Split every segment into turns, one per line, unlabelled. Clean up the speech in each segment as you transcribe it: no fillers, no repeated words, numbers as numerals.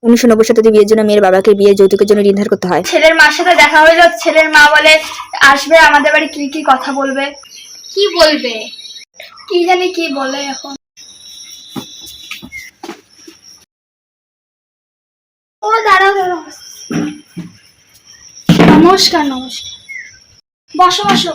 1990 শতাব্দী বিয়ের জন্য মেয়ের বাবাকে বিয়ের যৌতুকের জন্য ঋণ ধার করতে হয়।
ছেলের মার সাথে দেখা হলো, ছেলের মা বলে আসবে আমাদের বাড়ি, কি কি কথা বলবে।
কি বলবে?
কি জানি কি বলে এখন। ও দাঁড়াও দাঁড়াও। নমস্কার নমস্কার, বসো বসো।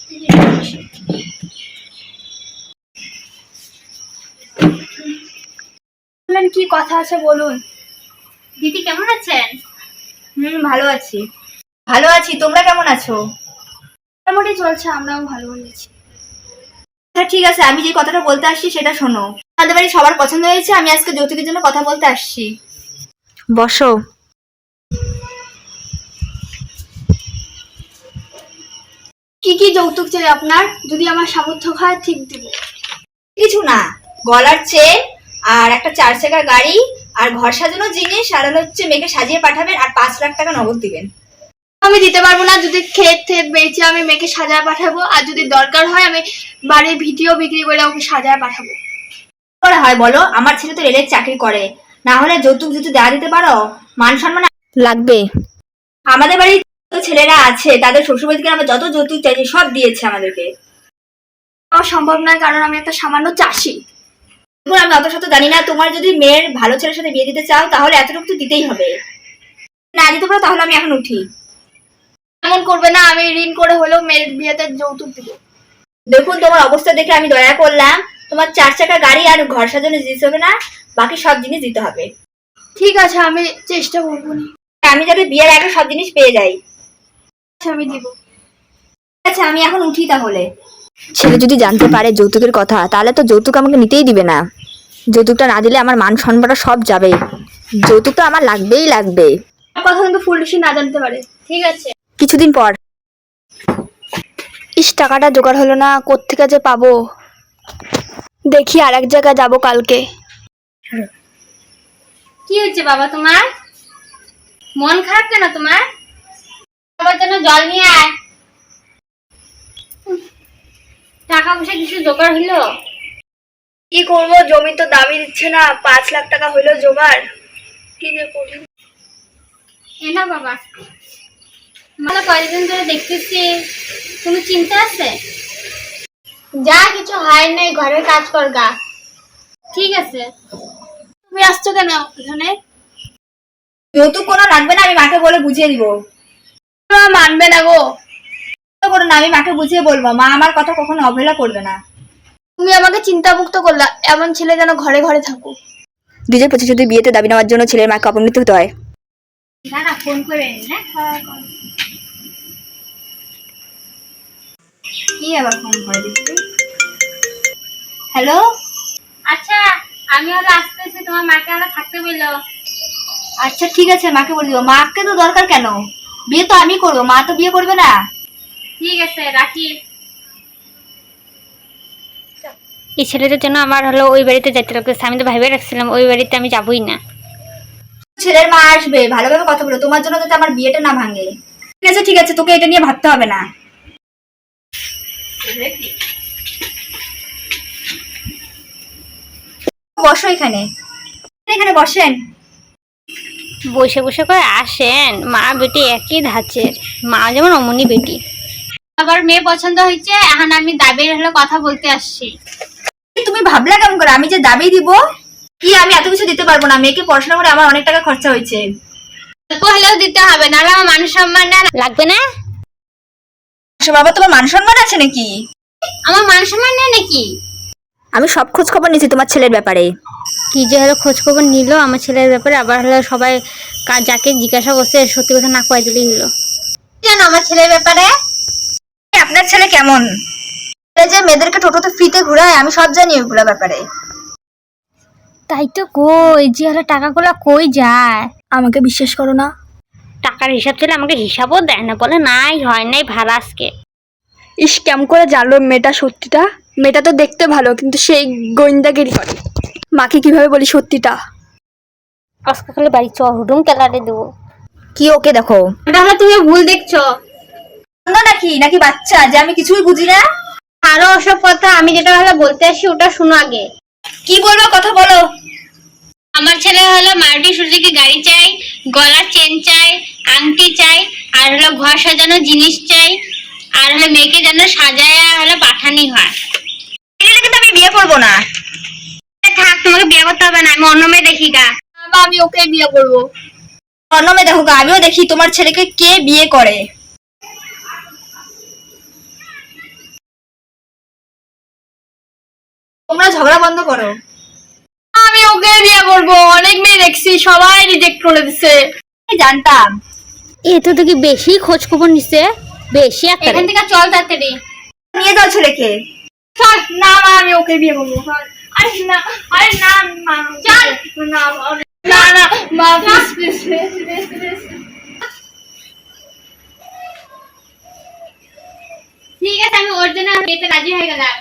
বললেন কি কথা আছে বলুন।
দিদি কেমন আছেন?
ভালো আছি। ভালো আছি, তোমরা কেমন আছো?
মোটামুটি চলছে, আমরাও ভালো আছি।
আচ্ছা ঠিক আছে, আমি যে কথাটা বলতে আসছি সেটা শোনো। আমাদের বাড়ি সবার পছন্দ হয়েছে, আমি আজকে যৌতুকের জন্য কথা বলতে আসছি। বসো।
কি কি যৌতুক চাই আপনার? যদি আমার সামর্থ্য হয় ঠিক দিব।
কিছু না, গলার চেন আর একটা 4 চাকার গাড়ি আর ঘর সাজানোর জিনিস, আর হচ্ছে মেয়েকে সাজিয়ে পাঠাবেন আর 5 লাখ টাকা নগদ দিবেন।
আমি দিতে পারবো না। যদি ক্ষেত ক্ষেত বেচে আমি মেয়েকে সাজায় পাঠাবো, আর যদি দরকার হয় আমি বাড়ির ভিডিও বিক্রি করে ওকে সাজায় পাঠাবো।
করে হয় বলো? আমার ছেলে তো রেলের চাকরি করে, না হলে যৌতুক যদি দেওয়া দিতে পারো, মান সম্মান লাগবে। আমাদের বাড়ির ছেলেরা আছে, তাদের শ্বশুরবাড়ি থেকে আমরা যত যৌতুক চাইছি সব দিয়েছে আমাদেরকে।
আমার সম্ভব নয়, কারণ আমি একটা সামান্য চাষি।
আমি অত শত জানি না। তোমার যদি মেয়ের ভালো ছেলের সাথে বিয়ে দিতে চাও তাহলে এতটুকু তো দিতেই হবে। না দিতে পারো তাহলে আমি এখন উঠি।
এমন করবে না, আমি ঋণ করে হলেও মেয়ের বিয়েতে যৌতুক দিব।
দেখুন, তোমার অবস্থা দেখে আমি দয়া করলাম। তোমার 4 চাকা গাড়ি আর ঘর সাজানো জিনিস হবে না, বাকি সব জিনিস দিতে হবে।
ঠিক আছে, আমি চেষ্টা করবো না।
আমি যাতে বিয়ের আগে সব জিনিস পেয়ে যাই।
আচ্ছা আমি দিব।
আচ্ছা আমি এখন উঠি তাহলে। ছেলে যদি জানতে পারে যৌতুকের কথা, তাহলে তো যৌতুক আমাকে নিতেই দিবে না। যৌতুকটা না দিলে আমার মান সম্মানটা সব যাবে। যৌতুকটা আমার লাগবেই লাগবে।
কথা কিন্তু ফুলসি না জানতে পারে।
ঠিক আছে।
কিছুদিন পর।
টাকাটা জোগাড় হলো না, কোত্থেকে যে পাবো। দেখি আর এক জায়গায় যাবো কালকে।
কি হচ্ছে বাবা তোমার? মন খারাপ কেন তোমার? বাবার জন্য জল নিয়ে আয়। টাকা পয়সা কিছু জোগাড় হইলো?
কি করবো, জমি তো দামই দিচ্ছে না। 5 লাখ টাকা হইলো জোগাড়, কি যে করি।
এ না বাবা, মানে কয়েকদিন ধরে দেখতেছি কোনো চিন্তা আছে? যা কিছু হয় নাই, ঘরের কাজ কর গা। ঠিক আছে।
তুমি আসছো কেন এখানে?
যৌতুক কোনো লাগবে না, আমি মাকে বলে বুঝিয়ে দিব।
মানবে না গো।
করো না, আমি মাকে বুঝিয়ে বলবো। মা আমার কথা কখনো অবহেলা করবে না।
তুমি আমাকে চিন্তামুক্ত করলা। এমন ছেলে যেন ঘরে ঘরে থাকো।
2025 বিয়েতে দাবি নেওয়ার জন্য ছেলের মাকে অপমৃত্যু হতে হয়।
দাঁড়া, ফোন করে হ্যাঁ।
কি আবার ফোন করে দিচ্ছি? হ্যালো।
আচ্ছা, আমি হলো আসতেছি, তোমার মাকে হলো থাকতে বললো।
আচ্ছা ঠিক আছে, মাকে বলে দিব। মাকে তো দরকার কেন? বিয়ে তো আমি করবো, মা তো বিয়ে করবে না।
ঠিক আছে, রাখি। এই ছেলেটার জন্য আমার হলো ওই বাড়িতে যেতে লাগতেছে। আমি তো ভেবে রাখছিলাম ওই বাড়িতে আমি যাবই না।
ছেলের মা আসবে, ভালোভাবে কথা বলো, তোমার জন্য যাতে আমার বিয়েটা না ভাঙে। ঠিক আছে ঠিক আছে, তোকে এটা নিয়ে ভাবতে হবে না। বসো এখানে, এখানে বসেন।
বসে বসে করে আসেন। মা বেটি একই ধাঁচের, মা যেমন অমনি বেটি। আবার মেয়ে পছন্দ হয়েছে, এখন আমি দাবির হলো কথা বলতে আসছি।
তুমি ভাবলা কেমন করে আমি যে দাবি দিব? কি আমি এত কিছু দিতে পারবো না? মেয়েকে পড়াশোনা করে আমার অনেক টাকা খরচা হয়েছে।
অল্প হলেও দিতে হবে, নাহলে আমার মান সম্মান লাগবে না।
বাবা, তোমার মান সম্মান আছে নাকি?
আমার মান সম্মান নেই নাকি?
আমি সব খোঁজ খবর নিয়েছি তোমার ছেলের ব্যাপারে।
কি যে হলো খোঁজ খবর নিল আমার ছেলের ব্যাপারে, আবার হলো সবাই যাকে জিজ্ঞাসা করছে সত্যি কথা না কয়ে দিলেই হলো। জানো আমার ছেলের ব্যাপারে?
আপনার ছেলে কেমন? যে মেয়েদেরকে টোটোতে ফ্রিতে ঘুরায়, আমি সব জানি ওইগুলো ব্যাপারে।
তাই তো কই, যে হলো টাকাগুলো কই যায়?
আমাকে বিশ্বাস করো না?
টাকার হিসাব ছিল, আমাকে হিসাবও দেয় না, বলে নাই হয় নাই ভাড়া আজকে।
ইস, কেমন করে জানলো মেয়েটা সত্যিটা? মেয়েটা তো দেখতে ভালো, কিন্তু সেই গোয়েন্দাগিরি করে। মাকে কিভাবে বলি সত্যিটা?
আজকে খালি বাড়ি চ, হুডুম কেলারে দেবো।
কি ওকে দেখো?
তাহলে তুমি ভুল দেখছো।
নাকি নাকি বাচ্চা যে আমি কিছুই বুঝি না?
আরো ওসব কথা, আমি যেটা হলো বলতে আসি ওটা শুনো আগে।
কি বলবো কথা বলো।
আমার ছেলে হলো মারুতি সুজুকি গাড়ি চাই, গলার চেন চাই, আংটি চাই, আর হলো ঘর সাজানোর জিনিস চাই, আর হলো মেয়েকে যেন সাজায় হলো পাঠানি হয়।
এগুলো কিন্তু আমি বিয়ে করবো না।
থাক, তোমাকে বিয়ে করতে হবে না, আমি অন্য মেয়ে দেখি গা।
মা আমি ওকে বিয়ে করবো।
অন্য মেয়ে দেখো গা, আমিও দেখি তোমার ছেলেকে কে বিয়ে করে। তোমরা ঝগড়া বন্ধ করো।
আমি ওকে বিয়ে করবো, অনেক মেয়ে দেখছি সবাই রিজেক্ট করে দিছে।
আমি জানতাম।
এ তো দেখি বেশি খোঁজ খবর নিছে, বেশি একটা। এখান থেকে চল তাড়াতাড়ি।
নিয়ে যাও ছেলেকে।
চল না মা, আমি ওকে বিয়ে করবো। আরে না, আরে না মা, চল না না না মা, প্লিজ প্লিজ প্লিজ।
ঠিক আছে, আমি ওর জন্য বিয়েতে রাজি হয়ে গেলাম।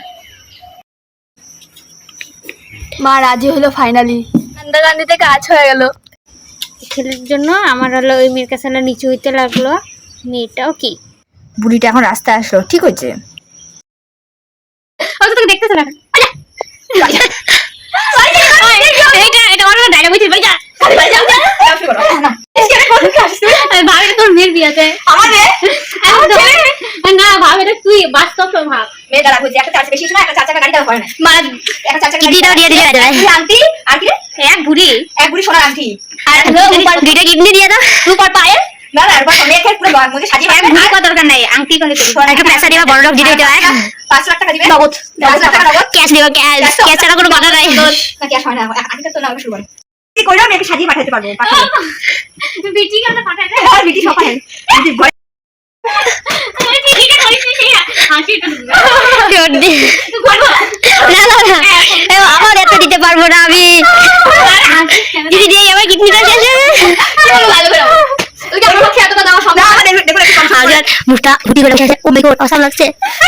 মা রাজি হলো ফাইনালি, কান্দাকান্দিতে কাজ হয়ে গেল।
ছেলের জন্য আমার হলো ওই মেয়ের কাছে নিচু হইতে লাগলো। মেয়েটাও কি
বুড়িটা এখন রাস্তায় আসলো, ঠিক হয়েছে।
তোকে দেখতেছ না? এটা আমার ডায়লগ হইছে, ভাই যা ভাব, এটা তোর মেয়ের বিয়েতে। না ভাব, এটা তুই বাস্তব ভাব।
মেয়ে দাঁড়া বুঝি, একটা চার চাকা শিশু না, একটা চার চাকা গাড়ি হয় না।
মা
একটা চার চাকা
কিডনিটাও দিয়ে দিলে যায়।
আংটি আর কি
এক বুড়ি,
এক বুড়ি সোনার আংটি
আর দুইটা কিডনি দিয়ে দাও।
রূপার পায়ে না না রূপার মেয়েকে পুরো মুখে সাজিয়ে পারবে।
বুড়ি কত দরকার নাই, আংটি করে দিবি। একটা পয়সা দিবা, বড় লোক দিতে হয়।
5 লাখ টাকা দিবে
নগদ।
5 লাখ টাকা নগদ।
ক্যাশ দিবা, ক্যাশ ছাড়া কোনো কথা নাই।
না ক্যাশ হয় না, আগে তো না শুরু করে কি কইরা মেয়েকে সাজিয়ে পাঠাতে পারবো।
বিটি কথা পাঠায় দে।
আর বিটি সব পাঠায় বিটি ঘরে
ঠিক আছে, হাসিটা
আমার এত দিতে পারবো না আমি।
দিদি দিয়ে আমার কিডনিটা শেষ হবে।
ভালো করে ওইটা আমার পক্ষে এতটা দেওয়া সম্ভব
না দেখো দেখো একটু কম সময়।
আগে মুখটা ফুটি করে শেষ। ও মাই গড, অসাম লাগছে।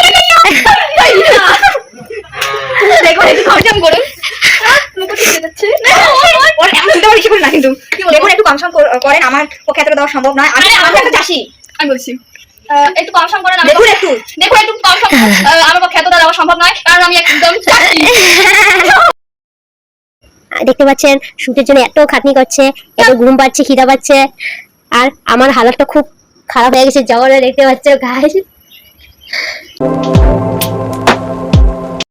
দেখো একটু কম সম করুন। মুখ ঠিক যাচ্ছে ওর এমন চিন্তা বেশি করে না, কিন্তু দেখুন একটু কম সম করেন, আমার পক্ষে এতটা দেওয়া সম্ভব নয়। আমি একটা চাষি,
আমি বলছি একটু কম সম করেন।
দেখুন একটু
দেখো একটু কম সম, আমার পক্ষে এতটা দেওয়া সম্ভব নয়, কারণ আমি একদম চাষি।
দেখতে পাচ্ছেন শুটের জন্য এত খাটনি করছে, এত ঘুম পাচ্ছে, খিদা পাচ্ছে, আর আমার হালতটা খুব খারাপ হয়ে গেছে। জগনে দেখতে পাচ্ছ গাইস।